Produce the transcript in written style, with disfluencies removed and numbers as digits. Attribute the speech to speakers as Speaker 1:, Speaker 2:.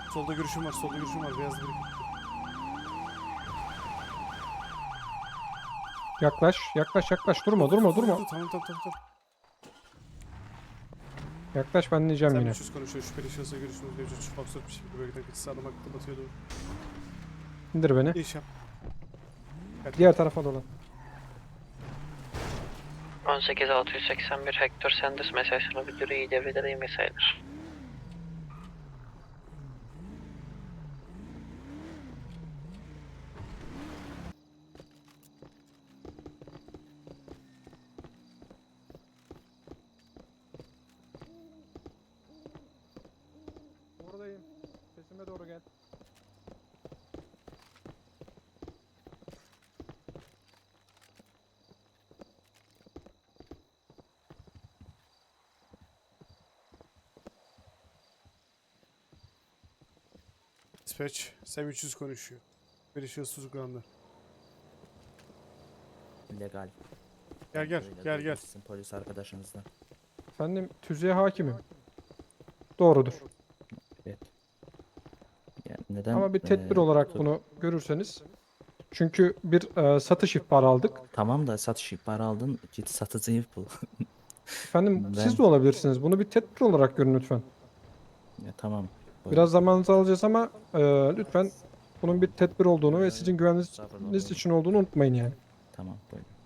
Speaker 1: Solda görüşüm var, solda görüşüm var. Beyaz bir.
Speaker 2: Yaklaş, yaklaş, yaklaş. Durma, durma, durma.
Speaker 1: Tamam.
Speaker 2: Yaklaş, ben diyeceğim
Speaker 1: Sen
Speaker 2: yine.
Speaker 1: 300 konuşuyor. Şüpheli şahısa görüşümüz mevcut. Çok absürt bir şekilde bölgeden kaçış sağlamakta batıyordu.
Speaker 2: İndir beni.
Speaker 1: İş yap.
Speaker 2: Diğer tarafa dolan.
Speaker 3: 18681 Hector Sanders mesajını müdürü iyi devrede iyi mesajdır.
Speaker 2: Buradayım. Sesime doğru gel.
Speaker 1: Dispatch. Sen 300 konuşuyor. Şüpheli şahıs tutuklandı.
Speaker 4: Legal.
Speaker 1: Gel.
Speaker 4: Sizin polis arkadaşınızla.
Speaker 2: Efendim, tüzüğe hakimim. Doğrudur.
Speaker 4: Evet. Yani neden?
Speaker 2: Ama bir tedbir olarak bunu görürseniz. Çünkü bir satış ihbarı aldık.
Speaker 4: Tamam da satış ihbarı aldın. Git satıcıyı bul.
Speaker 2: Efendim,
Speaker 4: Ben-
Speaker 2: siz de olabilirsiniz. Bunu bir tedbir olarak görün lütfen.
Speaker 4: Ya, tamam. Buyurun.
Speaker 2: Biraz zamanınızı alacağız ama lütfen bunun bir tedbir olduğunu ve sizin güvenliğiniz için olduğunu unutmayın yani.
Speaker 4: Tamam buyurun.